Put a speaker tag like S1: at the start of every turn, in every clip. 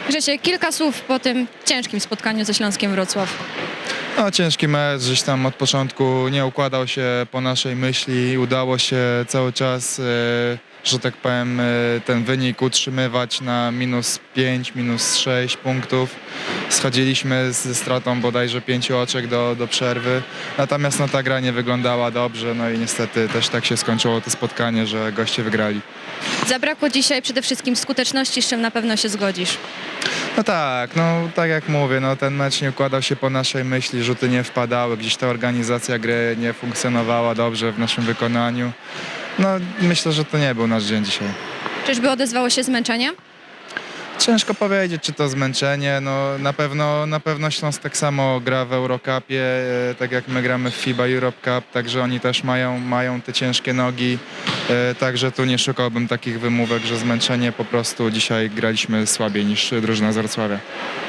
S1: Grzesiek, kilka słów po tym ciężkim spotkaniu ze Śląskiem Wrocław.
S2: No, ciężki mecz, gdzieś tam od początku nie układał się po naszej myśli. Udało się cały czas, że tak powiem, ten wynik utrzymywać na -5, -6 punktów. Schodziliśmy ze stratą bodajże 5 oczek do przerwy. Natomiast no, ta gra nie wyglądała dobrze, no i niestety też tak się skończyło to spotkanie, że goście wygrali.
S1: Zabrakło dzisiaj przede wszystkim skuteczności, z czym na pewno się zgodzisz.
S2: No tak, no tak jak mówię, no ten mecz nie układał się po naszej myśli, rzuty nie wpadały, gdzieś ta organizacja gry nie funkcjonowała dobrze w naszym wykonaniu. No myślę, że to nie był nasz dzień dzisiaj.
S1: Czyżby odezwało się zmęczenie?
S2: Ciężko powiedzieć, czy to zmęczenie, no na pewno Śląsk tak samo gra w Eurocupie, tak jak my gramy w FIBA Europe Cup, także oni też mają te ciężkie nogi, także tu nie szukałbym takich wymówek, że zmęczenie, po prostu dzisiaj graliśmy słabiej niż drużyna z Wrocławia.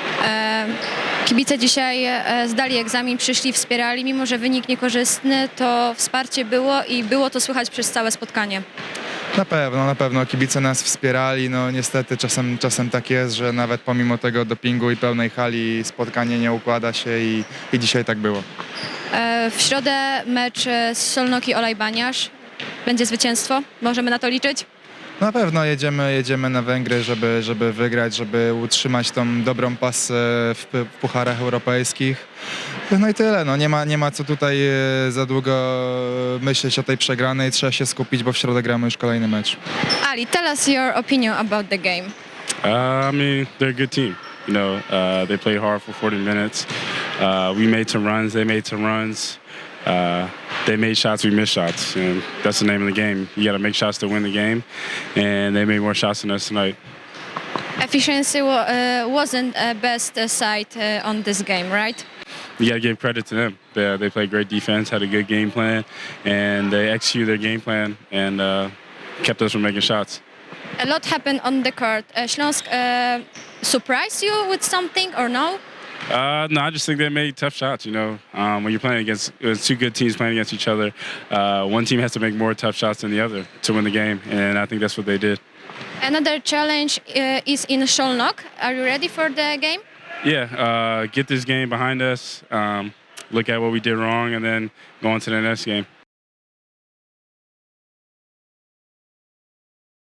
S1: Kibice dzisiaj zdali egzamin, przyszli, wspierali, mimo że wynik niekorzystny, to wsparcie było i było to słychać przez całe spotkanie.
S2: Na pewno kibice nas wspierali, no niestety czasem tak jest, że nawet pomimo tego dopingu i pełnej hali spotkanie nie układa się i dzisiaj tak było.
S1: W środę mecz z Szolnoki Olajbaniasz. Będzie zwycięstwo? Możemy na to liczyć?
S2: Na pewno jedziemy na Węgry, żeby wygrać, żeby utrzymać tą dobrą pasę w pucharach europejskich. No i tyle, no nie ma co tutaj za długo myśleć o tej przegranej, trzeba się skupić, bo w środę gramy już kolejny mecz.
S1: Ali, tell us your opinion about the game.
S3: I mean, they're a good team. You know, they play hard for 40 minutes. We made some runs, they made some runs. They made shots, we missed shots. And that's the name of the game. You got to make shots to win the game. And they made more shots than us tonight.
S1: Efficiency wasn't best side on this game, right?
S3: You got to give credit to them. They played great defense, had a good game plan, and they executed their game plan and kept us from making shots.
S1: A lot happened on the court. Śląsk surprised you with something or no?
S3: No, I just think they made tough shots. You know, when you're playing against two good teams playing against each other, one team has to make more tough shots than the other to win the game, and I think that's what they did.
S1: Another challenge is in Szolnok. Are you ready for the game?
S3: Yeah, get this game behind us, look at what we did wrong, and then go on to the next game.